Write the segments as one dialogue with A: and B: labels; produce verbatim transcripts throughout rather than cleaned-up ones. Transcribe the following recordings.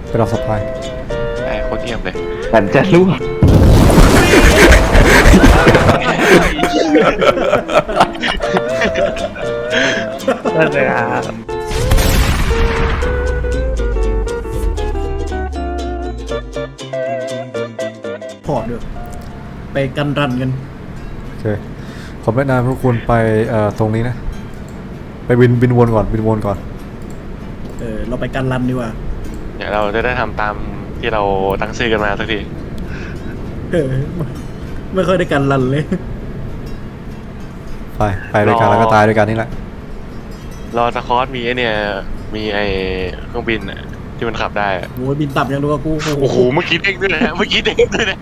A: ไปรับสปาย
B: ไอ้โคตรเยี่ยมเลย
C: ฉันจะรู้นั่นเลยครับ
D: พอร์ตด้วยไปกันรันกัน
A: โอเคผมแนะนำพวกคุณไปเอ่อตรงนี้นะไปบินบินวนก่อนบินวนก่อน
D: เออเราไปกันรันดีกว่า
B: เดี๋ยวเราจะได้ทำตามที่เราตั้งชื่อกันมาสักที
D: เออไม่ค่อยได้กันรันเลย
A: ไปไปด้วยกันแล้วก็ตายด้วยกันนี่แหละ
B: รอสคอตมีไอเนี่ยมีไอเครื่องบินอะที่มันขับได้อะ
D: โอ้ยบินต่ำยังดูกับกู
B: โอ้โหเมื่อกี้เด้งด้วยนะเมื่อกี้เด้งด้วยนะ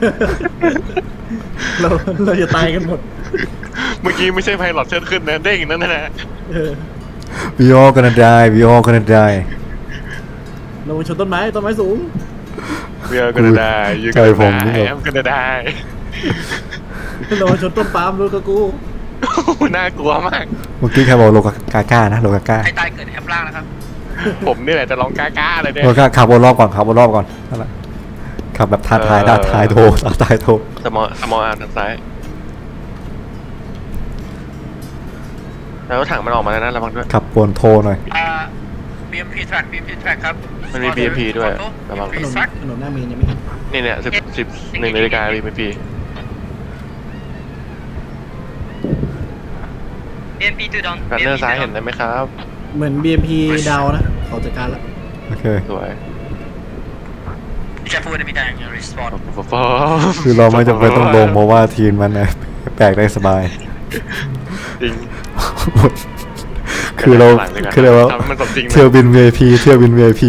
D: เราเราจะตายกันหมด
B: เมื่อกี้ไม่ใช่ไพลอตเชิดขึ้นนะเด้งนั่นนะ
D: เออ
A: we all gonna die we all gonna die
D: เราชนต้นไม้ต้นไม้สูง
B: เวียกันได้ยู
A: ใจ
B: กัน
A: ผมนี่
B: ได้
A: แบบ
B: แอมกันได้
D: เราชนต้นปาล์มดูกับกู
B: น่ากลัวมาก
A: เมื่อกี้ใครบอกโลกาก้านะโลกาก้า
E: ใครตายเกิดแอปล่างนะครับ
B: ผมนี่แหละจะร้องกล้าๆเลยเนี่ย
A: โลกาขับวนรอบก่อนขับวนรอบก่อนนั่นแหละขับแบบท้าทายท้าทายโทรท้าทายโทร
B: สมอสมออาร์มทางซ้ายแล้วถังมันออกมาแล้วนะระวังด้วย
A: ขับวนโทรหน่อย
E: อ่า บี เอ็ม พี track บี เอ็ม พี track ครับ
B: มันมี บี เอ็ม พี ด้วยระวัง
D: ถนนถนนหน้าเมนยังไม่เห็น
B: นี่เนี่ยสิบสิบหนึ่งนาฬิกาบี เอ็ม พี
E: บี เอ็ม พี to down
B: กันเนอร์ซ้ายเห็นได้ไหมครับ
D: เหมือน บี เอ็ม พี ดาวนะเขาจัดการแล้ว
A: โอเค
B: สวย
E: Be careful with the meter and your respawn
B: ฟอ
A: คือเราไม่จำเป็นต้องลงเพราะว่าทีมมันนะแปลกได้สบาย
B: จริง
A: คือเราคือเรา
B: ทำให้มันสมจริงนะ
A: เที่ยวบิน วี ไอ พี เที่ยวบิน วี ไอ พี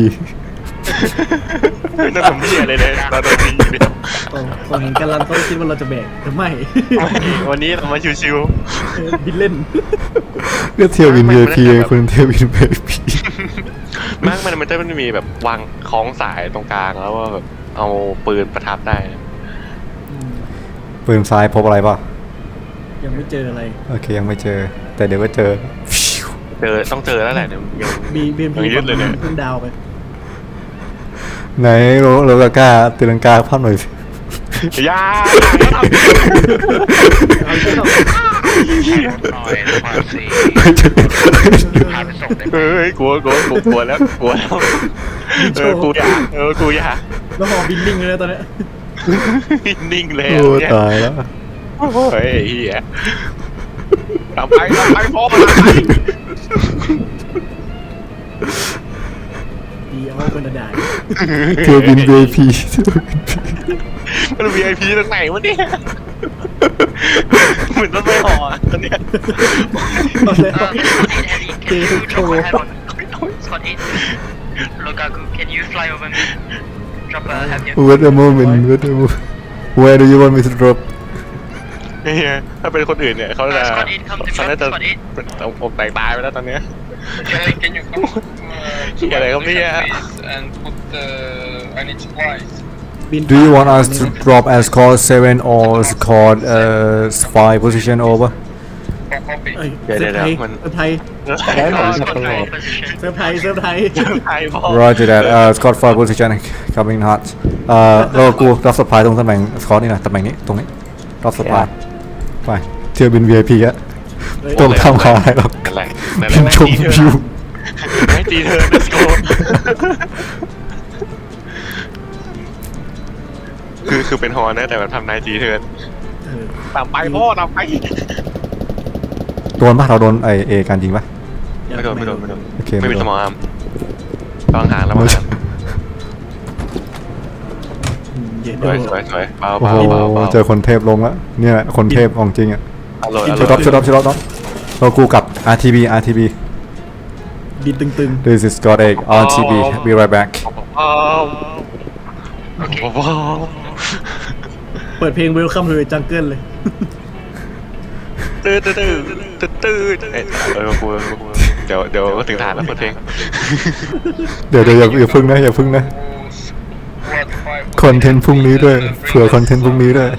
B: น่าสมเพียเลยเลยเราโดนยิงอยู่เนี่ย
D: ตรงตรงเห็นกันรันเขาคิดว่าเราจะแบกแต่ไม่
B: วันนี้เรามาชิว
D: เออบินเล่น
A: ก็เที่ยวบิน วี ไอ พี คุณเที่ยวบิน วี ไอ พี
B: ๆมากมันมันจะมันมีแบบวางคล้องสายตรงกลางแล้วว่าแบบเอาปืนประทับได้
A: ปืนซ้ายพบอะไรป่ะ
D: ยังไม่เจออะไร
A: โอเคยังไม่เจอ แต่เดี๋ยวก็เจอ
B: เจอต้องเจอแล้วแหละเนี่ยยัง
D: บีบีเอ็มพี
B: ยังยึดเลยเนี่ย
D: เพิ่งดาวไป
A: ไหนโรโรกาก้าตีลังกาภาพหน่อยสิ
B: ยา
D: เอาเชือก
E: หน่อยความสีพาไปส่งได้ไหม
B: เฮ้ยกลัวกลัวกลัวกลัวแล้วกลัวแล้วเออกูอยากเออกูอยาก
D: แล้วหอบินนิ่งเลยนะตอนเนี้ย
B: นิ่งเลย
A: โอ้
B: เนี่ย
A: ตายแล้ว
B: โอ้ยเฮียทำไปทำไปพ่อทำไป
D: ดีเอาเป็นระดา
A: เที่ยวบิน วี ไอ พี
B: มัน วี ไอ พี ตรงไหนวะเนี่ยเหมือนรถไฟห่อตอนเนี้ย
D: ตอนแรก
E: เอ่อ Squad เอ็ด Eddie can you drop a head on Squad เอ็ด Lukaku can you fly over me drop a heavy
A: Wait a moment wait a moment Where do you want me to drop
B: เฮียถ้าเป็นคนอื่นเนี่ยเขาจะ
E: Squad เอ็ด come to
B: เขา
E: drop
B: น่าจะ
E: Squad เอ็ด
B: เอาอกแตกตายไปแล้วตอนเนี้ย
E: can you come
B: เฮียอะไรครับเนี่ย
E: and put the I need supplies
D: บิน
A: Do you want us to drop as score seven or score uh five position over
E: for copy
D: เอ้ย
B: เดี๋ยว
D: เซิร์ฟไทย
B: เดี๋ยวมัน
D: เซิร์ฟไทย
C: แล้วผม
E: uh,
C: จะ
E: Squad
C: ตลอ
E: three
C: ด
E: position
D: เซิร์ฟไทยเซิร์ฟไทย
B: ไทยพ่อ
A: Roger that uh score five position coming hot เอ่อเรากูรับสปายตรงตำแหน่งสกอร์นี่นะตำแหน่งนี้ตรงนี้รับสปายไปเที่ยวบิน วี ไอ พี อะตรงทำขาอะไรหรอก
B: นั่นแหละนั่นแห
A: บิ
B: ละ
A: นชมวิว
B: ให้ตีเธอ let's go คือคือเป็นฮอนนะแต่แบบทำนายจีเทิร์น
D: เออ
B: ตามไปพ่อตามไป
A: โดนปะเราโดนไอเอการยิงปะ
B: ไม่โดนไม่โดนไม่โดน
A: โอเค
B: ไม่มี
A: ไม่โดน
B: สมองอาร์มระวังหางระวังหาง
D: อืมเย็น
B: ส
D: ด้
B: ว
D: วย ย
B: สวยสวยเบา
A: โอ้
B: เบา
A: โห
B: เบาเบา
A: เจอคนเทพลงแล้วเนี่ยแหละคนเทพของจริงอะ
B: อร่อยอ
A: ชุด
B: ร่
A: รั
B: อบ ย
A: ชุดรับชุดรับน้องเรากูกับ อาร์ ที บี อาร์ ที บี
D: บินตึง
A: This is God Egg อาร์ ที บี be right back
B: ว้าวว้าว
D: ๆเปิดเพลง Welcome to the Jungle เลย
B: ตื้อตื้อตื้อตื้อตื้อเอ้ยเออกูกูเดี๋ยวเดี๋ยวก็ถึงฐานแล้วเปิดเพลง
A: เดี๋ยวเดี๋ยวอย่าอย่าพึ่งนะอย่าพึ่งนะคอนเทนต์พรุ่งนี้ด้วยเผื่อคอนเทนต์พรุ่งนี้ด้วย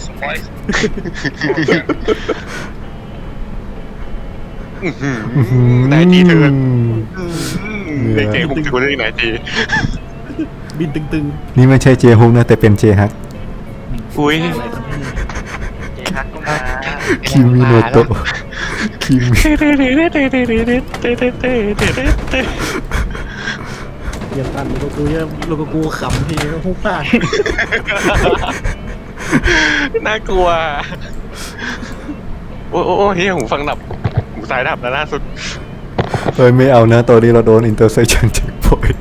B: นายจีเทิร์นเด็กเก่งผมถือว่าได้นายจี
D: บบินตึง
A: นี่ไม่ใช่เจฮุกนะแต่เป็นเจฮัก
B: อุ้ย
D: ๆอะไรครับเนี่ย
C: เจฮักก็มา
A: คิมิโนโตะคิมิ
D: เยี่ยมกันโลโกกูเยี่ยมโลโกกูขำทีฮุกพลาด
B: น่ากลัวโอ้โอ้โอ้เฮียหูฟังดับหูสายดับแล้วล่าสุด
A: เฮ้ยไม่เอานะตัวนี้เราโดนอินเตอร์เซชันเช็คพอยต์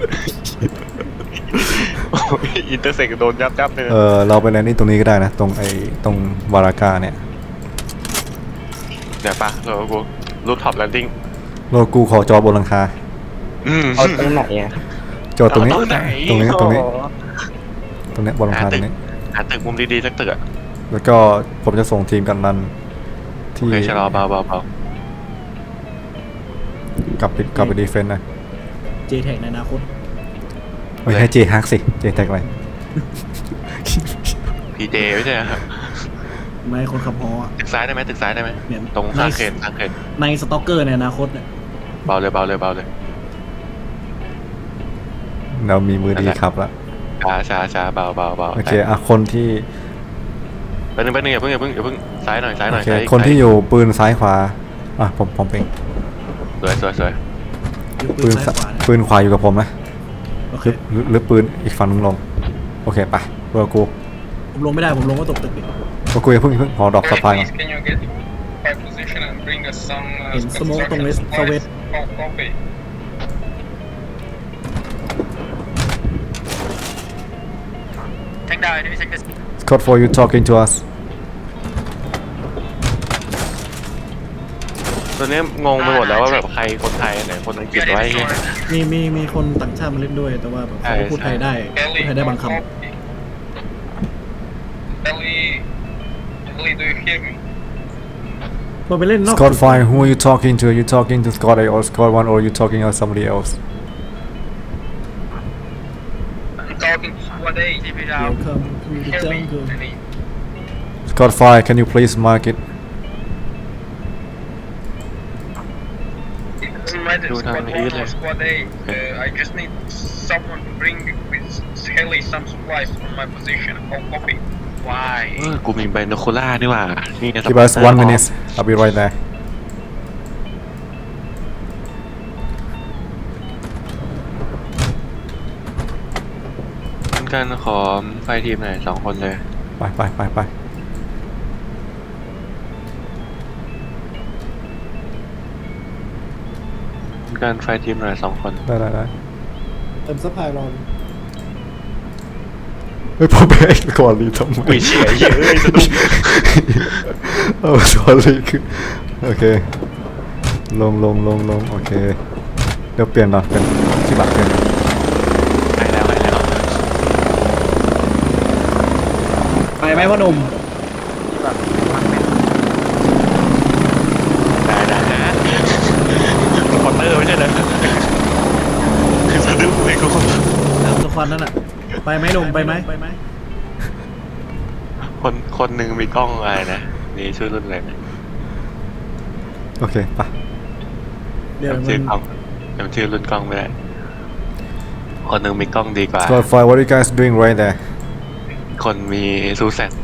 B: อินเตอร์เซ็กโดนยับยับเลย
A: เออเราไปแลนดิ้งตรงนี้ก็ได้นะ ตรงไอ้ตรงวารากาเนี่ย
B: เดี๋ยวปะเรากูรูปท็อปแลนดิ้ง
A: โลกูขอจอบนหลังคา
B: อืม
C: เอาตรงไหนอ่ะ
A: จอตรงนี้
B: เอาตรงไหน
A: ตรงนี้ตรงนี้
C: โอ้โห
A: ตรงเนี้ยบนหลังคาตรงนี้
B: หาตึกมุมดีๆสักตึกอะ
A: แล้วก็ผมจะส่งทีมกันรัน
B: โอ
A: ที่
B: เคชะลอเบาเบาเบาก
A: ลับไปกลับไปดีเฟนต์นะ
D: เจแท็กในอนาคต
A: ไม่ใช่เจฮักสิเจแท็กอะไร
B: พีเจไม่ใช่ครับ
D: ไม่คนขับฮออะ
B: ตึกซ้ายได้ไหมตึกซ้ายได้ไหม
D: เนี่ย
B: ตรงข้างเคนข้างเคน
D: ในสต็อกเกอร์ในอนาคตเนี่ย
B: เบาเลยเบาเลยเบาเลย
A: เรามีมือดีครับละ
B: ช้าช้าช้าเบาเบาเบา
A: โอเคอ่ะคนที่
B: แป๊บนึงแป๊บนึงอย่าเพิ่งอย่าเพิ่งอย่าเพิ่งซ้ายหน่อยซ้ายห
A: โอ
B: น่อย
A: เค
B: ซ้าย
A: คนที่อยู่ปืนซ้ายขวาอ่ะผมผมเอง
B: สวยสวยสวย
D: ยกปื
A: ปื
D: น
A: น
D: ซ้ายขวาเนี่ย
A: ปืนขวาอยู่กับผมนะ
D: โอเค
A: หรือหรือหรือปืนอีกฝั่งนึงลงโอเคไปเบอร์กู
D: ผมลงไม่ได้ผมลงก็ตกตึกอีก
A: เบอร์กูอย่าเพิ่งอย่าเพิ่งขอดอกสะพายก่อน
F: Can you get my position and bring us some uh,
D: เห็นสโมกตรงเลส
F: supplies?
D: เวส
F: Oh, copy.
E: Take down enemy sectors.
A: Scott for you talking to us
B: ตอนนี้งงไปหมดแล้วว่าแบบใครคนไทยไหนคนอังกฤษ
E: Get
B: ไว้
E: in the store.
D: มีมีมีคนต่างชาติมาเล่นด้วย แต่ว่าแบบเขาพูดไทยได้พูด
F: Ellie,
D: ไทยได้บาง
F: oh,
D: ค
F: copy. Ellie, Ellie, do you hear me?
D: ำมันไปเล่นนอก
A: Scott fine who are you talking to are you talking to Scott A or Scott one or are you talking to somebody else
F: I'm talking to Squad A.
E: Keep it
D: เดี๋ยว
E: out.
D: คำคือ
F: Hear
D: จัง
F: me,
D: คือ
F: Ellie.
A: Scott fine can you please mark it
F: It doesn't matter,
B: Do
F: Squad
B: down
F: one
B: here.
F: or Squad A. Uh, I just need someone to bring with Ellie some supplies from my position. Oh, copy.
E: Why?
B: เออกูมีไบโนคูล่านี่หว่านี่ไง
A: give us one minute I'll be right there
B: กันขอไฟทีมหน่อยสองคนเลย
A: ไปไปไปไป
B: กันไฟทีมหน่อยสองคน
A: ได้ได้ได้
D: เติมซัพพลายรอน
A: เฮ้ยผมไปก่อนรีทำไม
B: อุ้ยเฉียเยอะเลยสะดุ้ง
A: โอ้ sorry คือโอเคลงลงลงลงโอเคเดี๋ยวเปลี่ยนก่อนเป็นที่บัตรเปลี่ยน
B: หายแล้วหายแล้ว
D: ไปไหมพ่อหนุ่ม
B: ได้ได้นะคอนเตอร์ไม่ใช่เหรอคือสะดุ้งเลยกู
D: ตามตัวควันนั่นอ่ะ ไปไหมหนุ่มไปไหมไปไหม
B: คนคนหนึ่งมีกล้องอะไรนะนี่ชื่อรุ่นอะไรนะ
A: โอเคไป
D: เดี๋ยว
B: จำ
D: มั
B: ชื่อน กล้องจำชื่อรุ่นกล้องไม่ได้คนหนึ่งมีกล้องดีกว่า
A: Scott fine what are you guys doing right there
B: คนมีซูแซน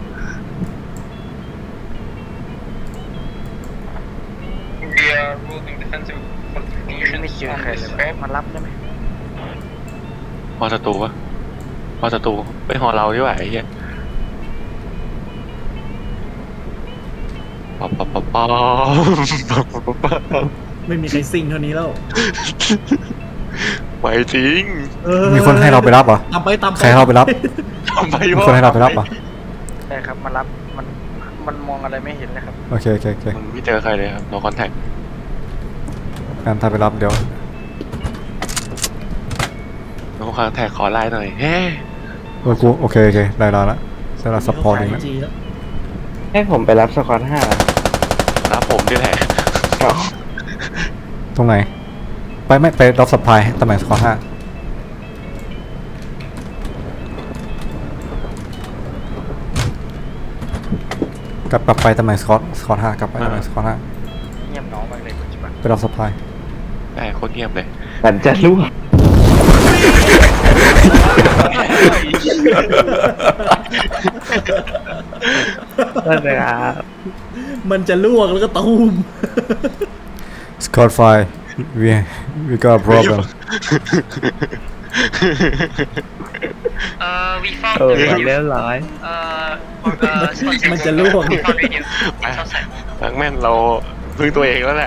F: We are building defensive
C: นี่
F: fortifications
C: ไม่เจอ
F: on
C: ใคร
F: this
C: เลย
F: spot.
C: มารับได้ไหม
B: พอศัตรูวะพอศัตรูไปหอเราดีกว่าไอ้เหี้ยป๊อปป๊อปป๊อปป๊อปป๊อปป๊อปป๊อป
D: ไม่มีใครซิ่งเท่านี้แล้ว
B: ไปจริง
D: เออ
A: มีคนให้เราไปรับเหรอ
D: ตามไปตามไป
A: ใครให้เราไปรับ
B: ทำไม
A: มี
B: วะ
A: คนให้เราไปรับเหรอ
C: ใช่ครับมารับมันมันมองอะไรไม่เห็นเลยครับ
A: โอเคโอเคโอเค
B: มันไม่เจอใครเลยครับ no contact
A: การถ้าไปรับเดี๋ยว
B: no contact ขอไลน์หน่อยเฮ้
A: เออกูโอเคโอเคได้แล้วละสำหรับซัพพอร์ตเองนะ
D: จีแล้ว
C: ให้ผมไปรับสควอตห้า
B: รับผมนี่แหละ
A: ตรงไหน ไปไม่ไปรับสัพพลายตำแหน่งสกอร์ห้า กลับกลับไปตำแหน่งสกอร์สกอร์ห้ากลับไปตำแหน่งสกอร์ห้า
C: เงียบน้องมากเลยปัจจุบัน
A: ไปรับสัพพลาย
B: ได้โคตรเงียบเลย
C: ฉันจะรู้
B: นั่นเลยครับ
D: มันจะลวกแล้วก็ตูม
A: Scott Fire we we got a problem
E: Uh, we found
B: เออ
E: the
B: เรีย
E: radio.
B: บร้อย
E: Uh, or, uh, spot
D: มัน
E: six.
D: จะลวก
E: We found radio. It's outside.
B: แบงค์แม่นเราพึ่งตัวเองแล้วแหละ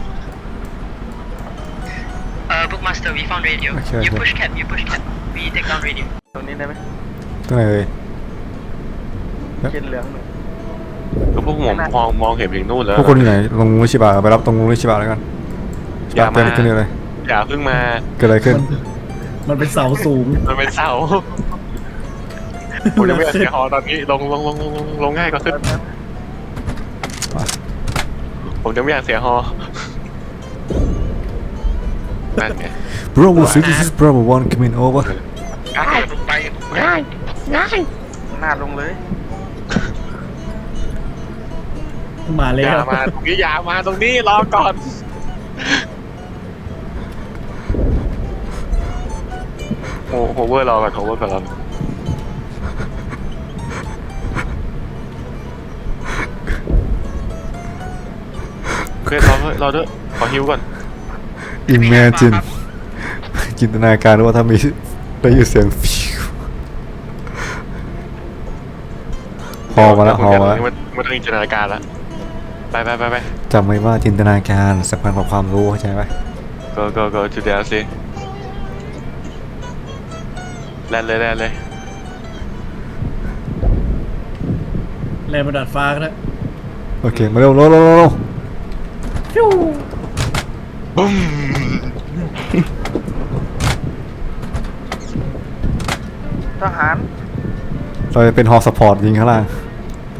E: Uh, Bookmaster, we found radio.
A: Okay,
E: You
A: okay.
E: push cap, you push cap. We take down radio.
C: ตรงนี้ได้ไหม
A: ตรงไหนเอ่ย
C: เขียนเหลืองหนึ่ง
B: ก็พวกผมมองมองเห็นถึงนู่นแล้ว
A: พวกคุณอยู่ไหนลงงูชิบะไปรับตรงงูชิบะแล้วกัน
B: อย่า
A: เกิด
B: มา
A: อะไรขึ้นเลย
B: อย่าเพิ่งมา
A: เกิดอะไรขึ้น
D: มันเป็นเสาสูง
B: มันเป็นเสาผมจะไม่อยากเสียหอตอนนี้ลงลงลงลงลงลงง่ายกว่าขึ้นผมจะไม่อยากเสียหอนั่นไง
A: Bravo six this is Bravo one coming over
B: ง่ายลงไปง่ายง่าย
C: หน้าลงเลย
D: มาแล้
B: อย่าว มาตรงนี้อย่ามาตรงนี้รอก่อนโอ้โหเวอร์รอก่อนโฮเวอร์ก่อนรอเพื่อนรอเพื่อนรอด้วยขอฮิวก่อน
A: Imagine จินตนาการว่าถ้ามีได้ยินเสียงฟิวฮอมาแล้วฮอมาแล้ว
B: มันมันต้องจินตนาการแล้วไปไปไปไป
A: จำไว้ว่าจินตนาการสำคัญกว่าความรู้เข้าใจไหม
B: go go go to the สิแล่นเลยแล่นเลย
D: แรงประดัดฟ้าก็ได้
A: โอเคมาเร็วเร็วเร็วเร็ว
B: บุ้ม
C: ทหาร
A: เราจะเป็นฮอสปอร์ตยิงข้างล่างไป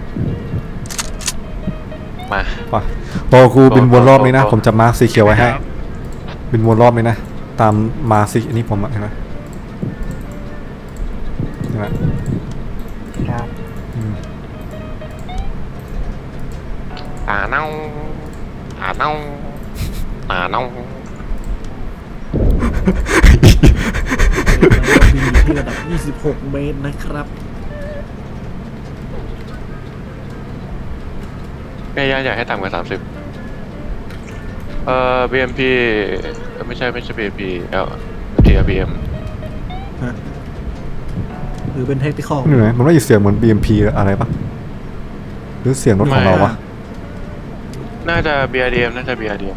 B: มา
A: ไปรอครูบินวนรอบนี้นะผมจะมาร์คสีเขียวไว้ให้บินวนรอบนี้นะตามมาร์คสีอันนี้ผมอะเห็นไหมเห็นไหม
C: ครับ
A: อืม
B: อ่าเน่าอ่าเน่าอ่าเน่า
D: บินอยู่ที่ระดับ ยี่สิบหก เมตรนะครับ
B: แม่ย่าอยากให้ต่ำกว่าสามสิบเอ่อ บี เอ็ม พี ไม่ใช่ไม่ใช่ บี เอ็ม พี เอล ที บี เอ็ม
D: ฮะ หรือเป็นเทคนิคอล
A: นี่ไหนมันไม่ได้เสียงเหมือน บี เอ็ม พี อะไรปะหรือเสียงรถของเราวะ
B: น่าจะ บี อาร์ ดี เอ็ม น่าจะ บี อาร์ ดี เอ็ม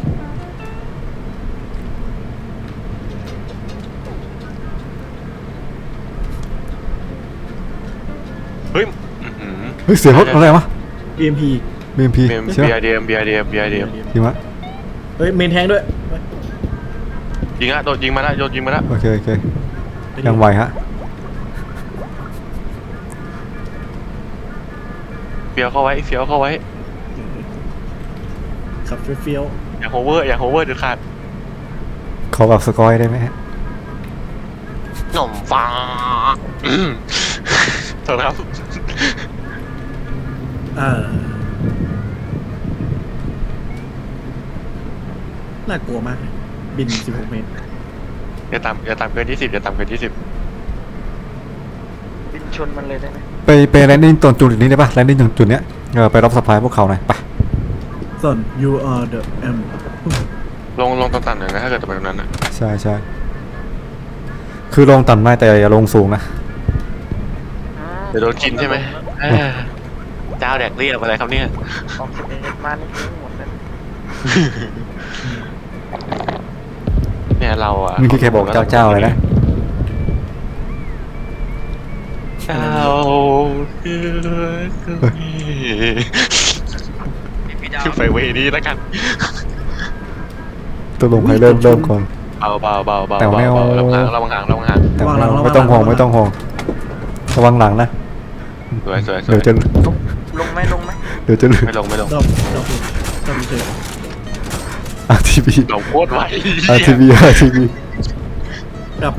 B: เฮ้ยอื้อหือ
A: เฮ้ยเสียงรถอะไรวะ
D: บี เอ็ม พี
A: บี เอ็ม พี
B: บี
A: ใช่ปะ
B: อาร์ ดี เอ็ม บี อาร์ ดี เอ็ม บี อาร์ ดี เอ็ม
A: จริงวะ
D: เฮ้ย เมนแทงด้วย
B: ยิงอะโดนยิงมาแล้วโดนยิงมาแล้ว
A: โอเคโอเคยังไหวฮะ
B: เฟียวเข้าไว้เฟียวเข้าไว้
D: ขับเฟี้ยว
B: อย่าโฮเวอร์อย่าโฮเวอร์เด็ดขาด
A: ขอแบบสกอยได้ไหมฮะ
B: หน่อมฟ้าอืมโทษครับ
D: ๆอ่าน่ากลัวมาก บิน สิบหก เมตร
B: อย่าต่ำอย่าต่ำเกินยี่สิบอย่าต่ำเกินยี่สิบ
C: บินชนมันเลยได้ไหม
A: ไปไปแลนดิ้งตรงจุดนี้ได้ปะแลนดิ้งตรงจุดเนี้ยเออไปรับสปายพวกเขาหน่อยไป
D: ส่วน you are the M
B: ลงลงต่ำๆหน่อยนะถ้าเกิดจะไปตรงนั้นนะ
A: ใช่ใช่คือลงต่ำได้แต่อย่าลงสูงนะ
C: อืม
B: เดี๋ยวโดนกินใช่ไหมอ่าเจ้าแดกเรียบอะไรครับเนี่ย
C: ออกสิบเอ็ดมานี่ทิ้งหมดเลย
B: เนี่ยเราอะ
A: นี่คือแค่บอกเจ้าเจ้าเลยนะ
B: เจ้าคือคือไปเวนี้แล้วกัน
A: ตัวลงใครเริ่มเริ่มก่อน
B: เบาเบาเบาเบา
A: แต่ไม่เอา
B: ระวังห่างระวังห่างระวังห่าง
A: แต่ไม่เอาไม่ต้องห่วงไม่ต้องห่วงระวังหลังนะ
B: สวยสวยสว
A: เดี๋ย
B: ยว
A: จะ
C: ลงไหมลงไหม
A: เดี๋ยวจะลืม
B: ไม่ลงไม่ลง
D: ดอบดอบดอบเฉย
A: อาร์ทีวี
B: เราโคตรไว
A: อาร์ทีวีอาร์ทีวี
D: กลับเลย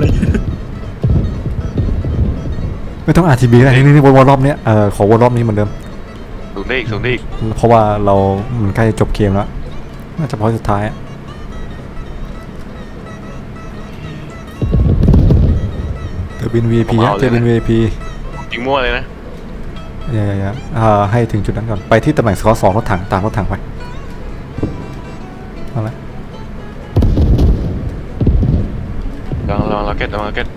A: ไม่ต้องอาร์ทีวีอะไรนี่นี่วนรอบเนี้ยเออขอวนรอบนี้เหมือนเดิม
B: สูงได้อีกสูงได้อีก
A: เพราะว่าเรามันใกล้จะจบเกมแล้วน่าจะพอสุดท้ายอะเดี๋ยวไปบิน วี ไอ พี ฮะเที่ยวบิน วี ไอ พี
B: ยิงมั่วเลยนะ
A: อย่าอย่าอย่าอ่าให้ถึงจุดนั้นก่อนไปที่ตำแหน่งสกอร์สองรถถังตามรถถังไปเอาละ
B: ลองลองล็อกเก็ตลองล็อกเก็ต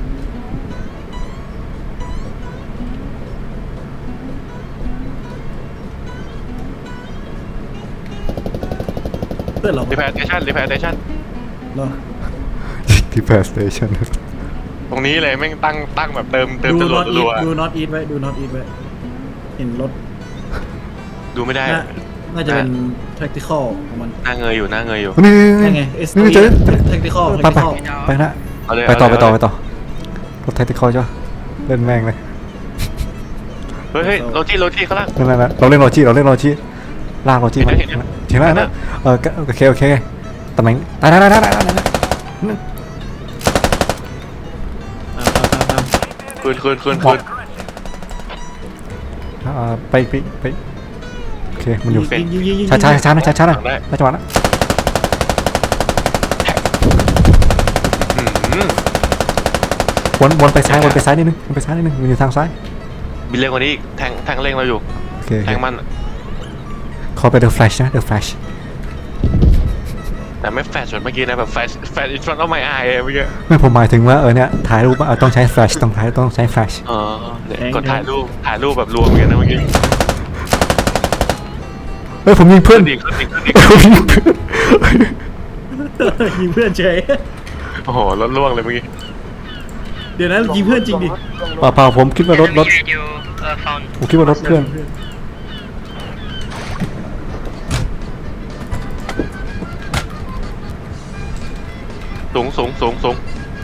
D: เพื่อนเรา
B: รีแพร์สเตชันรีแพร์สเตชัน
D: เนาะ
A: ที่แพสสเตชัน
B: ตรงนี้เลยแม่งตั้งตั้งแบบเติมเติม
D: ดู
B: จรว
D: น็อ
B: ด
D: ตอี
B: รั
D: ท
B: ว
D: ดูน็อตอีทไว้ดูน็อตอีทไว้เห็นรถ
B: ๆดูไม่ได้
D: น่าน่าจะเป็น tactical ของมัน
B: หน้าเงยอยู่หน้าเงยอยู่
A: นี่
D: นั่นไง
A: นี่นี่เจอ
D: tactical
A: ไปไป
D: tactical
A: ไปนะ
B: เอาเลย
A: ไปต่อ
B: เา
A: ไป
B: เลย
A: ต่อไปต่อรถแท็กติคอลจ้ะเล่นแม่งเลย
B: เฮ้ยเฮ้ยโรจี้โรจี้เขาล่าง
A: นั่นแหละเราเล่นโรจิเราเล่นโรจิลากโรจิมา
B: เห็นไหม
A: เห็นแล้วนะเออโอเคโอเคตำแหน่งได้ได้ได้ได้ได้ได้
D: ตามตามตามตาม
B: คืนคืนคืนคืน
A: อ่าไปไปไปโอเคมันอยู่
B: เป็น
D: ยิงยิงยิงยิง
A: ช้าช้าช้านะช้าช้านะ
B: ได้
A: ไม่จังหวะนะ
B: อืม
A: วนวนไปซ้ายวนไปซ้ายนิดนึงวนไปซ้ายนิดนึงมันอยู่ทางซ้าย
B: บินเร็วกว่านี้อีกแทงแทงเร่งเราอยู่
A: โอเค
B: แทงมัน
A: ขอไป The Flash นะ The Flash
B: แต่ไม่แฟชเหมือนเมื่อกี้นะแบบแฟชแฟช in front of my eye เมื่อกี้
A: ไม่ผมหมายถึงว่าเออเนี่ยถ่ายรูปเออต้องใช้ Flash ต้องถ่ายต้องใช้ Flash
B: อ๋อเนี่ยกดถ่ายรูปถ่ายรูปแบบรวมเหมือนกันนะเมื่อกี้
A: เฮ้ยผมยิงเพื่อน
B: ดีขึ้นดีขึ้นดี
A: ผมยิงเพื่อน
D: ยิงเพื่อนเฉย
B: โอ้โหรถล่วงเลยเมื่อกี้
D: เดี๋ยวนะยิงเพื่อนจริงดิ
A: เปล่าเปล่าผมคิดว่ารถรถ
E: Enemy radio uh, found.
A: ผมคิดว่ารถเพื่อน
B: สูงสูงสูงสูง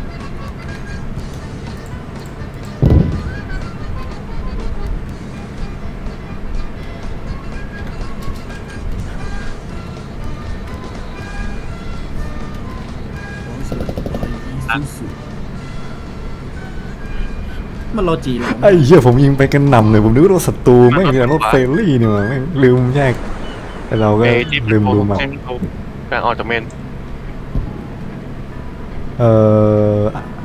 D: มันโลจีเหรอ
A: ไอ้เหี้ยผมยิงไปกันหนำเลยผมนึกว่ารถศัตรูไม่งเป็นรถเฟรนลี่นี่หว่าแม่งลืมแยกแต่เราก็
B: เอจิป
A: ลืมดูมา
B: เจโกลางออกจากเมน
A: เอ่อ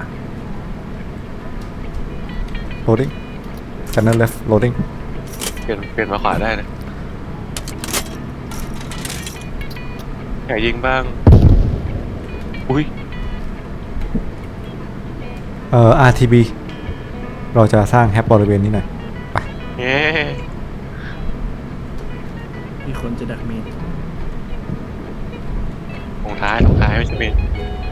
A: loading scanner left loading
B: เปลี่ยนเปลี่ยนมาขวาได้นะอยากยิงบ้างอุ้ย
A: เอ่อ อาร์ ที บี เราจะสร้างแฮปบริเวณนี้หน่อยไป
B: เย้
D: มีคนจะดักเมน
B: ลงท้ายลงท้ายไม่ใช่เมน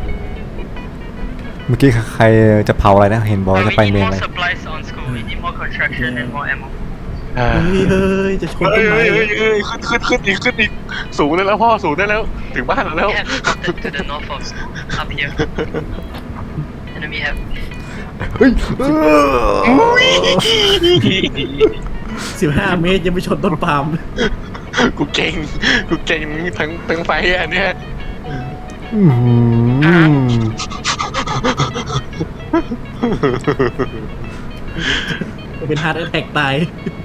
A: เมื่อกี้ใครจะเผาอะไรนะเห็นบอกว่า
E: Uh,
A: จะ
E: we
A: ไป
E: need
A: เมน
E: more
A: อะไร
E: supplies on school. We need more construction and more ammo.
B: อ่า
D: เฮ้ยเฮ้ยจะชน
B: เฮ้
D: ต้
B: ย
D: นไม้
B: เฮ้ยเฮ้ยเฮ้ยขึ้นขึ้นขึ้นอีกขึ้นอีกสูงได้แล้วพ่อสูงได้แล้วถึงบ้านเราแล้ว
E: We have spotted to the north of school. Up here. Enemy have.
A: เฮ้ย
D: สิบห้าเมตรยังไม่ชนต้นปาล์ม
B: กูเก่งกูเก่งทั้งทั้งไฟอันเนี้ย
A: อื้อหือ
D: เป็นฮาร์ดแอทแทกตาย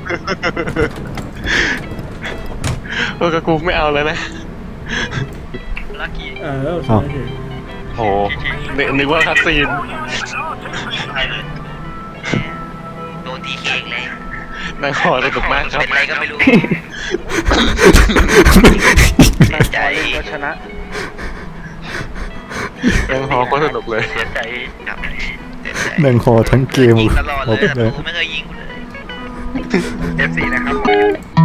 B: เออกับกูไม่เอาแล้วนะ
E: Lucky.
D: เออใช่ใช่
B: โหนึกนึกว่าคัสซีน
E: ใช่เลยโดนทีเค้กเลย
B: นายขอสนุกมากครับ
E: เป็นไรก็ไม่รู้เสียใจ
C: ก็ชนะ
B: นายขอก็สนุกเลย
E: เสียใจกับเสียใจ
A: หนึ่งคอทั้งเกม
E: ยิงตลอดเลย
A: โอเค
E: แต่กูไม่เคยยิงกูเลย
C: เอฟซีนะครับ